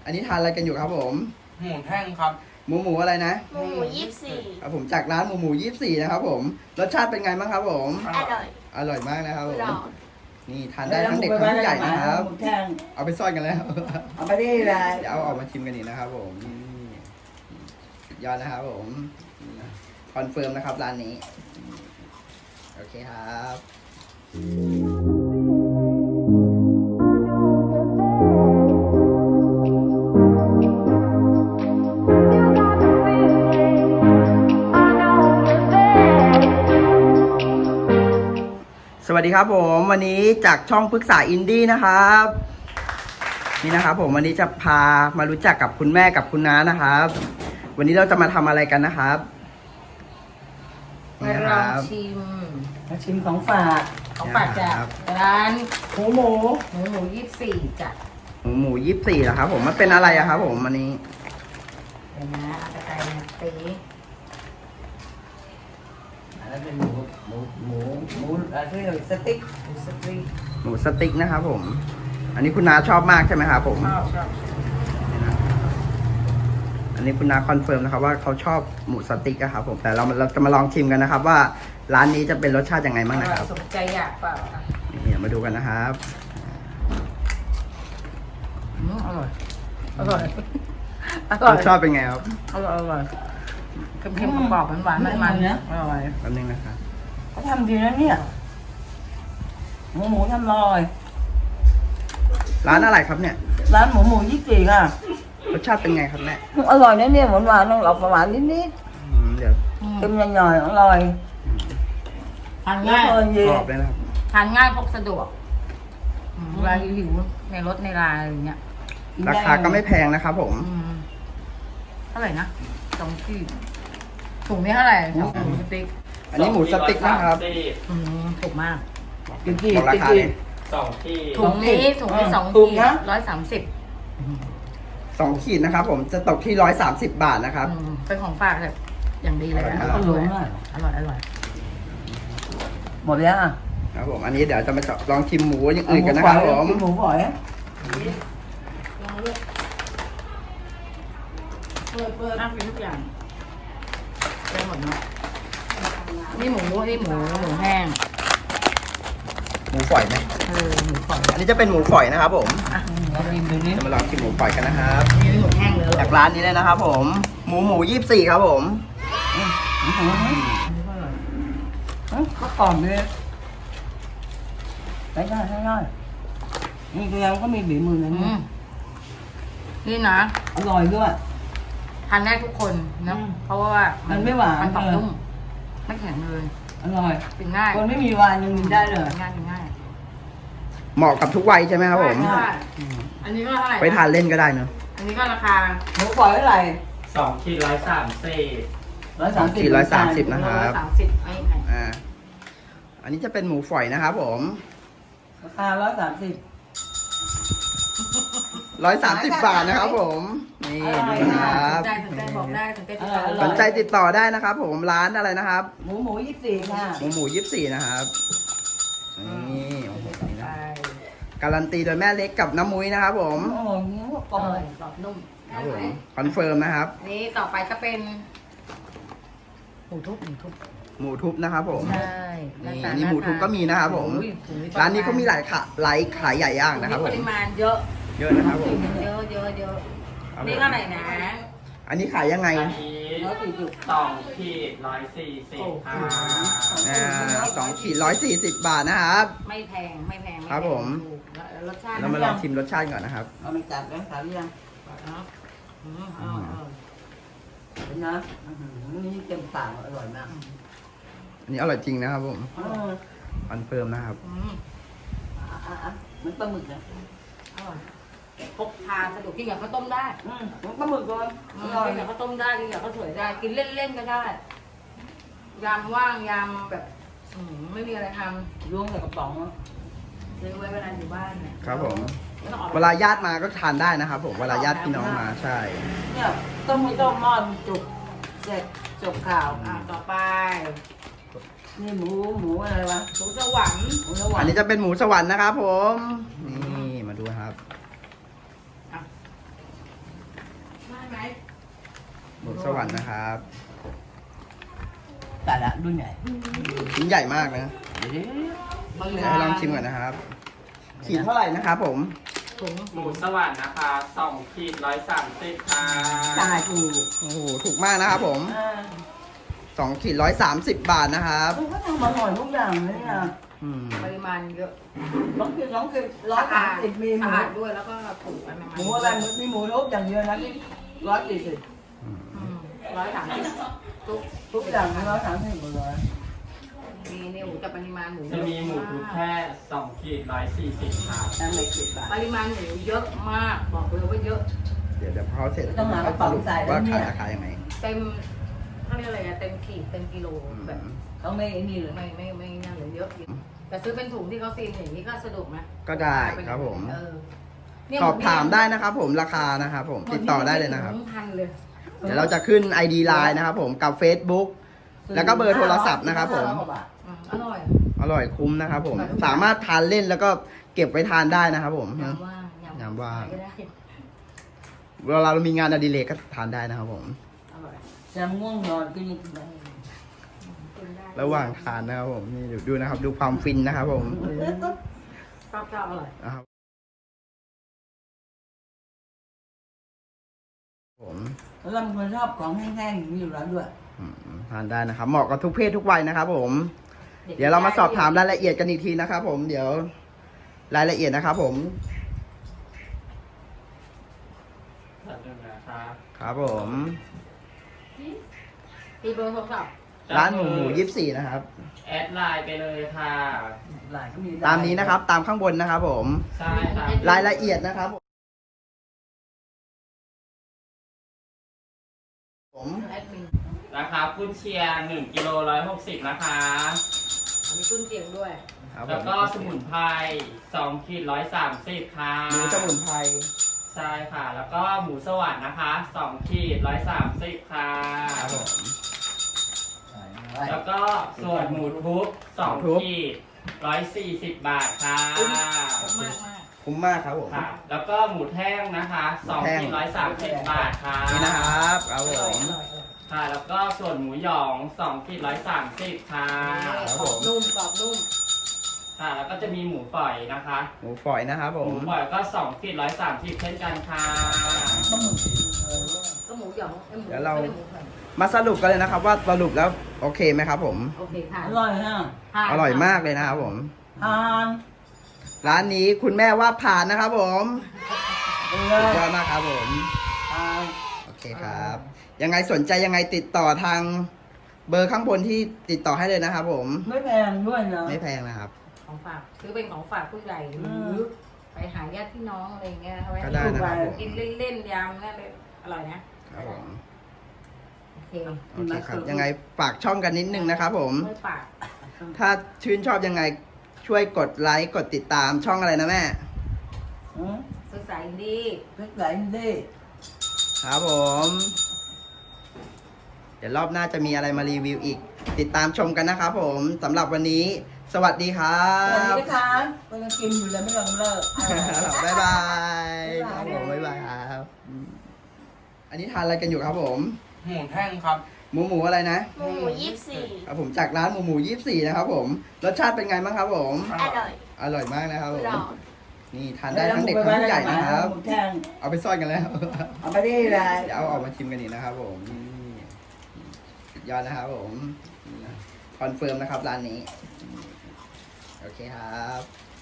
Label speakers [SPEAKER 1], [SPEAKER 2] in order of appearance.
[SPEAKER 1] อันนี้ทานอะไรกันอยู่ครับผม
[SPEAKER 2] หมูแท่งครับ
[SPEAKER 1] หมูอะไรนะ
[SPEAKER 3] หมู24
[SPEAKER 1] ครับผมจากร้านหมู24นะครับผมรสชาติเป็นไงบ้างครับผม
[SPEAKER 3] อร่อย
[SPEAKER 1] อร่อยมากนะครับผม
[SPEAKER 3] หรอ
[SPEAKER 1] นี่ทานได้ทั้งเด็กทั้งผู้ใหญ่นะครับ
[SPEAKER 4] หมูแท่ง
[SPEAKER 1] เอาไปซ่อนกันแล้ว
[SPEAKER 4] เอาไปได้เลย
[SPEAKER 1] เดี๋ยวเอาออกมาชิมกันอีกนะครับผมนี่สุดยอดนะครับผมคอนเฟิร์มนะครับร้านนี้โอเคครับ สวัสดีครับผมวันนี้จากช่องปรึกษาอินดี้นะครับนี่นะครับผมวันนี้จะพามารู้จักกับคุณแม่กับคุณน้านะครับ วันนี้เราจะมาทำอะไรกันนะครับ
[SPEAKER 5] มา
[SPEAKER 1] นี่นะ
[SPEAKER 5] ล
[SPEAKER 1] ค
[SPEAKER 5] อ
[SPEAKER 1] รั
[SPEAKER 5] ง
[SPEAKER 1] บ
[SPEAKER 5] ชิม
[SPEAKER 4] มาชิมของฝาก
[SPEAKER 5] ของฝากจาก
[SPEAKER 1] ครับ
[SPEAKER 5] ร้าน
[SPEAKER 4] หมู
[SPEAKER 5] หมู24จ้ะ
[SPEAKER 1] หมู24เหรอครับผมมันเป็นอะไรอะครับผมวันนี้
[SPEAKER 5] เดี๋ยวนะเอากระต่ายมาตี
[SPEAKER 4] อันนั้นเป็นหมูอะไรที่เรียกสติ๊ก
[SPEAKER 5] หมูสตรี
[SPEAKER 1] หมูสติ๊กนะครับผม อันนี้คุณน้าชอบมากใช่ไหมครับผม
[SPEAKER 5] ชอบ
[SPEAKER 1] อันนี้คุณน้าคอนเฟิร์มนะครับว่าเขาชอบหมูสติ๊กอะครับผมแต่เราจะมาลองชิมกันนะครับ ว่าร้านนี้จะเป็นรสชาติยังไงบ้างนะครับ
[SPEAKER 5] สมใจอยากเปล่าอ่ะ
[SPEAKER 1] นี่มาดูกันนะครับ
[SPEAKER 5] อร่อยอร่อยอ
[SPEAKER 1] ร
[SPEAKER 5] ร่อย
[SPEAKER 1] สชาติเป็นไงครับ
[SPEAKER 5] อร่อยอร่อยเค็มๆกรอบๆหวานๆมันๆอร่อย
[SPEAKER 1] แป๊บนึงนะครับ
[SPEAKER 4] เขาทำดีนะเนี่ยหมูทำอร่อย
[SPEAKER 1] ร้านอะไรครับเนี่ย
[SPEAKER 4] ร้านหมู24ค่ะ
[SPEAKER 1] รสชาติเป็นไงครับแม่
[SPEAKER 4] อร่อยนะเนี่ยหวานๆต้องออกหวานนิด
[SPEAKER 1] เดี๋ยว
[SPEAKER 4] ๆเค็มหน่อยๆอร่อย
[SPEAKER 5] ทานง่าย
[SPEAKER 4] อร่อยเย็
[SPEAKER 1] ก
[SPEAKER 4] น
[SPEAKER 1] รอบเลยนะครับ
[SPEAKER 5] ทานง่ายพกสะดวกเวลาหิวในรถในร้านอะไรอย่างเงี้ย
[SPEAKER 1] ราคาก็ไม่แพงนะครับผม
[SPEAKER 5] เท่าไหร่นะ2 ขีดถุงนี้เท่าไหร่หมูสติ๊ก
[SPEAKER 1] อันนี้หมูสติ๊กนะครับ
[SPEAKER 5] ถูกมาก
[SPEAKER 4] กี่
[SPEAKER 1] บอกราคาเลย
[SPEAKER 2] 2 ที่
[SPEAKER 5] ถุงนี้2
[SPEAKER 4] ถูก
[SPEAKER 5] ขีด
[SPEAKER 4] นะ
[SPEAKER 5] 130
[SPEAKER 1] 2 ขีดนะครับ ผมจะตกที่130 บาทนะครับ
[SPEAKER 5] เป็นของฝากแบบอย่างดีเลยนะ
[SPEAKER 1] อ
[SPEAKER 4] อ
[SPEAKER 1] ร่
[SPEAKER 4] ร่
[SPEAKER 1] อ
[SPEAKER 4] อย ยมาก
[SPEAKER 5] อร่อยอร่อย
[SPEAKER 4] หมดแล้วอ่ะ
[SPEAKER 1] ครับผมอันนี้เดี๋ยวจะมาลองชิมหมูอย่างอื่นกันนะครับผม
[SPEAKER 4] หมูฝอย
[SPEAKER 5] ลองเลือกเปิดน่ากินทุกอย่างได้หมดเนาะนี่หมูแห้ง
[SPEAKER 1] หมูฝอยไหม
[SPEAKER 5] หมูฝอย
[SPEAKER 1] อันนี้จะเป็นหมูฝอยนะครับผม
[SPEAKER 5] อ่ะ
[SPEAKER 4] มาชิมดูนี่
[SPEAKER 1] จะมาลองชิมหมูฝอยกันนะครับ
[SPEAKER 5] นี่หมูแห้งเลย
[SPEAKER 1] จากร้านนี้เลยนะครับ ผมหมู24ครับผม
[SPEAKER 4] ก็กรอบเลยได้นี่คือเราก็มีบีมือนะเนี่ย
[SPEAKER 5] นี่นะ
[SPEAKER 4] อร่อยด้วย
[SPEAKER 5] ทานได้ทุกคนนะ
[SPEAKER 4] อืม
[SPEAKER 5] เพราะว่ามัน
[SPEAKER 4] ไม่หวาน
[SPEAKER 5] มันกรอบ
[SPEAKER 4] เลย
[SPEAKER 5] นุ่มไม่แข็งเลย
[SPEAKER 4] อร่อย
[SPEAKER 5] กินง่าย
[SPEAKER 4] คนไม่มีวานยังกินได้เลย
[SPEAKER 5] กินง่าย
[SPEAKER 1] เหมาะกับทุกวัยใช่ไหมครับผม
[SPEAKER 5] ใช่อันนี้ก็เท่าไหร่ะ
[SPEAKER 1] ไปทานเล่นก็ได้เนอะ
[SPEAKER 5] อันนี้ก็ราคา
[SPEAKER 4] หมูฝอยเท่าไหร่
[SPEAKER 2] 2 ที่130
[SPEAKER 4] 130
[SPEAKER 1] นะครับ
[SPEAKER 5] 130ไม่แพง
[SPEAKER 1] อันนี้จะเป็นหมูฝอยนะครับผม
[SPEAKER 4] ราคา130
[SPEAKER 1] 130 บาทนะครับผมนี่ดูนะครับ
[SPEAKER 5] สนใจบอกได้สนใจติดต่อ
[SPEAKER 1] สนใจติดต่อได้นะครับ ผมร้านอะไรนะครับ
[SPEAKER 4] หมู24ค่ะ
[SPEAKER 1] หมู24นะครับนี่โอ้โหนี่
[SPEAKER 5] ไป
[SPEAKER 1] นะการันตีโดยแม่เล็กกับน้ำมุ้ยนะครับ ผม
[SPEAKER 4] โอ้โหเงี้ยกร
[SPEAKER 5] อ
[SPEAKER 4] อบ
[SPEAKER 5] ร่อยกรอบนุ่ม
[SPEAKER 1] ครับผมคอนเฟิร์มนะครับ
[SPEAKER 5] นี่ต่อไปก็เป็นหมูทุบ
[SPEAKER 1] หมูทุบนะครับผม
[SPEAKER 5] ใช่
[SPEAKER 1] นี่อันนี้หมูทุบก็มีนะครับผม ร้านนี้ก็มีหลายขายใหญ่ย่างนะครับผ
[SPEAKER 5] ป
[SPEAKER 1] ม
[SPEAKER 5] ริมาณเยอะ
[SPEAKER 1] เยอะนะครับผม
[SPEAKER 5] เยอะ
[SPEAKER 1] ครับผม
[SPEAKER 5] นี่เท่าไหร่นะ
[SPEAKER 1] อันนี้ขายยังไง
[SPEAKER 2] อันนี้2 ที่140ค่ะ
[SPEAKER 1] 2 ขีด140 บาทนะครับ
[SPEAKER 5] ไม่แพงไม่แพง
[SPEAKER 1] ครับผม
[SPEAKER 5] ถูกรสชาติ
[SPEAKER 1] เรามาลองชิมรสชาติก่อนนะครับ
[SPEAKER 4] เอาไปจัดแล้วขายยัง เห็นนะนี่เต็มปากอร่อยมาก
[SPEAKER 1] อันนี้อร่อยจริงนะครับผม
[SPEAKER 4] เออ
[SPEAKER 1] คอนเฟิร์มนะครับ
[SPEAKER 4] อ่ะมันปลาหมึกนะ
[SPEAKER 5] อร่อยพกพาสะดวกกินกับข้าวต้มได้
[SPEAKER 4] มันปลาหมึกก่อนอ
[SPEAKER 5] กิน
[SPEAKER 4] ร่อย
[SPEAKER 5] กับข้าวต้มได้กินกับข้าวสวยได้กินเล่นๆก็ได้ยามว่างยามแบบไม่มีอะไรท
[SPEAKER 4] ล้วงใส่กระป๋อง
[SPEAKER 5] ำซื้อไว้เวลาอยู่บ้านเนี่ย
[SPEAKER 1] ครับผม
[SPEAKER 5] ไม่ต้องออก
[SPEAKER 1] เวลาญาติมาก็ทานได้นะครับผม เวลาญาติพี่น้องมาใช่
[SPEAKER 4] เนี่ยต้มไม่ต้มหม้อมจุกเสร็จจบข่าว
[SPEAKER 5] ต่อไป
[SPEAKER 4] นี่หมูอะไรวะ
[SPEAKER 5] หมูสวรรค์
[SPEAKER 4] หมูสวร
[SPEAKER 1] อั
[SPEAKER 4] ร
[SPEAKER 1] น
[SPEAKER 4] ค์
[SPEAKER 1] นี้จะเป็นหมูสวรรค์นะครับผม นี่มาดูครับ
[SPEAKER 5] หไหม
[SPEAKER 1] หมูสวรรค์นะครับ
[SPEAKER 4] แต่ละรุ่นใหญ่
[SPEAKER 1] ชิ้นใหญ่มากนะ
[SPEAKER 4] เดี๋ยว
[SPEAKER 1] เดี๋ยวให้ลองชิมก่อนนะครับ ขีดเท่าไหร่นะครับผม
[SPEAKER 5] ถุง
[SPEAKER 2] หมูสวรรค์นะคะ2ขีด130ค่ะ
[SPEAKER 4] จ่ายถูก
[SPEAKER 1] โอ้โห ถูกมากนะครับผม 2 ขีด130 บาทนะครับ
[SPEAKER 4] เขาทำอร่อยทุกอย่างเลยนะ
[SPEAKER 1] อืม
[SPEAKER 5] ปริมาณเยอะ
[SPEAKER 4] 2 ขีด130มีห
[SPEAKER 5] สะ
[SPEAKER 4] มู
[SPEAKER 5] อาดด้วยแล้วก็ถูกอะไร
[SPEAKER 4] หมูอะไรมีหมูทุกอย่างเดียวนะที่140
[SPEAKER 5] 130
[SPEAKER 4] ทุกอย่าง130หมดเลย
[SPEAKER 5] มีเนี่ยหมูแต่ปริมาณหมู
[SPEAKER 2] จะมีหมูทุกแค่2ขีด140ค่ะ
[SPEAKER 4] ตั้งเลย10 บาท
[SPEAKER 5] ปริมาณหมูเยอะมากบอกเลยว่าเยอะ
[SPEAKER 1] เดี๋ยวพอเสร็จ
[SPEAKER 4] ต้องหากระ
[SPEAKER 1] ส
[SPEAKER 4] เป๋า
[SPEAKER 1] รุป
[SPEAKER 4] ใส่แล้ว
[SPEAKER 1] ว่า
[SPEAKER 4] เนี่
[SPEAKER 1] ขาย
[SPEAKER 4] ย
[SPEAKER 1] ราคายังไง
[SPEAKER 5] เต็มเขาเรียกอะไรอะเต็มขีดเต็มกิโลแบบ
[SPEAKER 4] เขาไม่นี่เลย
[SPEAKER 5] ไม่นั่นเลยเยอะอยู่แต่ซื้อเป็นถุงที่เขาซีนอย่างนี้ก็สะดวกนะ
[SPEAKER 1] ก็ได้ครับผม
[SPEAKER 5] เนี่ย
[SPEAKER 1] สอบถามได้นะครับผมราคานะครับผมติดต่อได้เลยนะครับ
[SPEAKER 5] พันเลย
[SPEAKER 1] เดี๋ยวเราจะขึ้น ID Line นะครับผมกับ Facebook แล้วก็เบอร์โทรศัพท์นะครับผม
[SPEAKER 5] อร่อย
[SPEAKER 1] อร่อยคุ้มนะครับผม สามารถทานเล่นแล้วก็เก็บไว้ทานได้นะครับผม
[SPEAKER 5] ยำว่าง
[SPEAKER 1] ยำว่าง
[SPEAKER 5] ก็ได้
[SPEAKER 1] เวลาเรามีงานอดิเรกก็ทานได้นะครับผม
[SPEAKER 5] อร่อย
[SPEAKER 4] จะง่วงนอนก็ยังกินได้
[SPEAKER 5] กินได้
[SPEAKER 1] ระหว่างทานนะครับผมนี่ดูนะครับ ดูความฟินนะครับผม
[SPEAKER 5] ชอบอร่อย
[SPEAKER 1] นะครับผม
[SPEAKER 4] แล้วเราเป็นคนชอบของแห้งๆอย่างนี้อยู่แล้วด้วย
[SPEAKER 1] ทานได้นะครับ เหมาะกับทุกเพศทุกวัยนะครับผม เดี๋ยวเรามาสอบถามรายละเอียดกันอีกทีนะครับผม เดี๋ยวรายละเอียดนะครับผม
[SPEAKER 2] แบบนึงนะคะ
[SPEAKER 1] ครับผม
[SPEAKER 5] มีเบอร์โทรศัพท์
[SPEAKER 1] ร้านหมู24นะครับ
[SPEAKER 2] แอดไลน์ไปเลยค่ะ
[SPEAKER 4] หลายก็มี
[SPEAKER 1] ตามนี้นะครับ ตามข้างบนนะครับผม
[SPEAKER 2] ใช่ค่ะ
[SPEAKER 1] รายละเอียดนะครับผม
[SPEAKER 5] แอดมิน
[SPEAKER 2] ราคาคุณเชียร์1กิโล160นะคะ
[SPEAKER 5] มีตุ้นเจียงด้วย
[SPEAKER 1] ครับผ
[SPEAKER 2] แล้ว
[SPEAKER 1] ม
[SPEAKER 2] ก็สมุนไพร2ขีด130ค่ะ
[SPEAKER 1] หมูสมุนไพร
[SPEAKER 2] ใช่ค่ะ แล้วก็หมูสวรรค์นะคะ2ขีด130ค่ะ
[SPEAKER 1] ครับผม
[SPEAKER 2] แล้วก็ส่วนหมูทุบ2ขีด140 บาทค่ะ
[SPEAKER 5] มากมาก
[SPEAKER 1] คุ้มมากครับผม
[SPEAKER 2] ค่ะ แล้วก็หมูแท่งนะคะ2ขีด130 บาทค่ะ
[SPEAKER 1] นี่นะครับครับ
[SPEAKER 5] อ
[SPEAKER 1] ผ
[SPEAKER 5] ร่อย
[SPEAKER 1] ม
[SPEAKER 5] อร่อยอร่อย
[SPEAKER 2] ค่ะ แล้วก็ส่วนหมูหยอง2ขีด130ค่ะ
[SPEAKER 1] ครับ
[SPEAKER 5] ก
[SPEAKER 1] ผ
[SPEAKER 5] รอ
[SPEAKER 1] ม
[SPEAKER 5] บนุ่มกรอบนุ่ม
[SPEAKER 2] ค่ะ แล้วก็จะมีหมูฝอยนะคะ
[SPEAKER 1] หมูฝอยนะครับผ
[SPEAKER 2] ห
[SPEAKER 1] ม
[SPEAKER 2] มูฝอยก็2ขีด130เช่นกันค่ะ
[SPEAKER 5] ก็หมูหยองไอ้หมู
[SPEAKER 1] เดี๋ยวเรา
[SPEAKER 5] ไม่ได้หมูฝอย
[SPEAKER 1] มาสรุปกันเลยนะครับ ว่าสรุปแล้วโอเคไหมครับผม
[SPEAKER 5] โอเคค่ะ
[SPEAKER 4] อร่อยฮะ
[SPEAKER 5] ผ่น
[SPEAKER 1] อร่อยมากเลยนะครับผม
[SPEAKER 4] ทาน
[SPEAKER 1] ร้านนี้คุณแม่ว่าผ่านนะครับผม
[SPEAKER 4] เล
[SPEAKER 1] สุด
[SPEAKER 4] ย
[SPEAKER 1] ยอดมากครับผม
[SPEAKER 4] ทาน
[SPEAKER 1] โอเคครับ ยังไงสนใจยังไงติดต่อทางเบอร์ข้างบนที่ติดต่อให้เลยนะครับผม
[SPEAKER 4] ไม่แพงด้วยนะ
[SPEAKER 1] ไม่แพงนะครับ
[SPEAKER 5] ของฝากซื้อเป็นของฝากผู้ใหญ่ห
[SPEAKER 4] อื
[SPEAKER 5] รือ
[SPEAKER 4] ม
[SPEAKER 5] ไปหาญาติพี่น้องอะไรเงี้ยเอาไว้
[SPEAKER 1] ก็ได้นะครับผม
[SPEAKER 5] กินเล่นๆยำนั่นเลยอร่อยนะครับ
[SPEAKER 1] ผม
[SPEAKER 5] โอเค
[SPEAKER 1] โอเคครับ ยังไงฝากช่องกันนิดนึงนะครับผม
[SPEAKER 5] ไม่ปาก
[SPEAKER 1] ถ้าชื่นชอบยังไงช่วยกดไลค์กดติดตามช่องอะไรนะแม่
[SPEAKER 5] ภาษาอินดี
[SPEAKER 4] พริกไหลดิ
[SPEAKER 1] ครับผม เดี๋ยวรอบหน้าจะมีอะไรมารีวิวอีก ติดตามชมกันนะครับผมสำหรับวันนี้ สวัสดีครั
[SPEAKER 4] สวัสดี
[SPEAKER 1] บ
[SPEAKER 4] นะคะก็ยังกินอยู่เลยไม่ยอมเลิก
[SPEAKER 1] บ๊ายบายครับผมบ๊ายบายครับอันนี้ทานอะไรกันอยู่ครับผม
[SPEAKER 2] หมูแท่งครับ
[SPEAKER 1] หมูอะไรนะ
[SPEAKER 3] หมู24
[SPEAKER 1] ครับผมจากร้านหมู24นะครับผมรสชาติเป็นไงบ้างครับผม
[SPEAKER 3] อร่อย
[SPEAKER 1] อร่อยมากนะครับผม
[SPEAKER 3] อร่อย
[SPEAKER 1] นี่ทานได้ทั้งเด็กทั้งผู้ใหญ่นะครับ
[SPEAKER 4] หมูแท่ง
[SPEAKER 1] เอาไปซ่อนกันแล้ว
[SPEAKER 4] เอาไปนี่เลย
[SPEAKER 1] เดี๋ยวเอาออกมาชิมกันอีกนะครับผมนี่สุดยอดนะครับผมคอนเฟิร์มนะครับร้านนี้ โอเคครับ